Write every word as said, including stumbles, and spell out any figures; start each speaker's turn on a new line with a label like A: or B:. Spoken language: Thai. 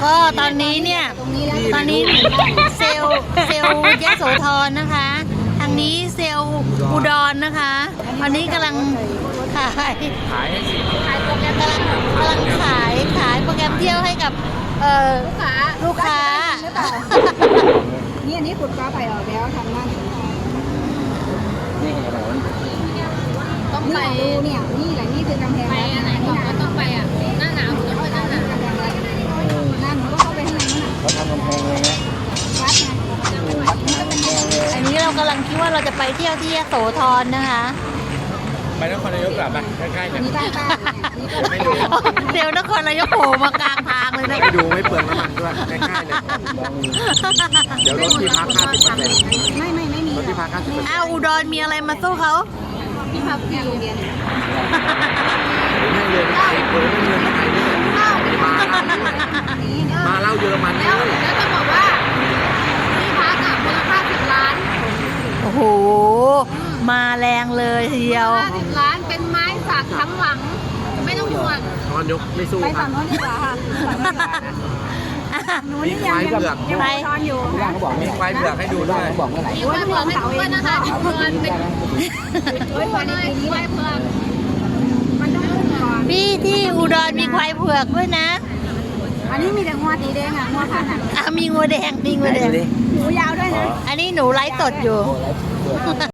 A: ก็ตอนนี้เนี่ยตอนนี้เซลล์เซลล์ยโสธรนะคะ ทางนี้เซลล์อุดรนะคะตอนนี้กำลังขาย
B: ขายให้สิ
A: ขายโปรแกรมกำลังกำลังขายขายโปรแกรมเที่ยวให้กับเอ่อลูกค้าลูกค้า
C: นี่อันนี้ขุดฟ้าไปออกแล้วทำนั่น
B: นี่อะไรวะ
C: ต้องไปดูเนี่ยนี่แหละนี่คือกำแพงไปอันไหนก่อนก็ต้องไปอ่ะหน้าหนาวต้องไปหน้าหนาวหน้าหนาวก็เข้าไปข้างในนั่น
B: เขาทำกำแพงเลยนะ
C: วัดไง
B: วัดทำกำแพงเลย
A: อันนี้เรากำลังคิดว่าเราจะไปเที่ยวที่ยโสธรนะคะ
B: ไปนครนายกกลับไปใกล้ๆกัน
C: นี่บ้านป้าเนี่ย
B: ไม่ดู
A: เดี๋ยวนครนายกโผล่มากลางทางเลยนะ
B: ไม่ดูไม่เปลืองน้ำมันด้วยใกล้ๆเลยเดี๋ยวรถที่พักห้าสิบเปอร์เซ็นต์
C: ไม่ไม่ไม่มี
B: รถที่พักห้าสิบเปอร์เซ็นต์
A: อ้าวอุดรมีอะไรมาสู้เขา
C: พี่พับที่โรงเรียน
B: ให้เรียนไทยเรียนเรียนไทยด้วยมาเล่าเยอรมันเลย
C: แล้วจะบอกว่าที่พักอ่ะมูลค่าสิบล้าน
A: โอ้โหมาแรงเลยทีเดียว
C: ห้าสิบล้านเป็นไม้สักทั้งหลังไม่ต้องห่วง
B: นอนยกไม่สู้
C: ไป
B: ครั
C: ฝั่
B: บ
C: งโน้นดีกว่าค่ะหนู
B: มี
C: นี่
B: ค
C: ยัง
B: วาย
C: ยัง
B: เผือก
C: ยังนอนอยู่
B: มีควายเผือกให้ดูด้วย
C: มีควายเผือกให้ดูด้วยนะคะทุกคนเป็นเฮ้ยวันนี้ควายเผือกมันต้องขึ้นก่อน
A: พี่ที่อุดรมีควายเผือกด้วยนะ
C: อันนี้มีแต่งัวสีแดงอ่ะงัวพันธุ์อ่ะ
A: อ่ะมีงัวแดงมีงัวแดง
C: หูยาวด้วยนะ
A: อันนี้หนูไลฟ์สดอยู่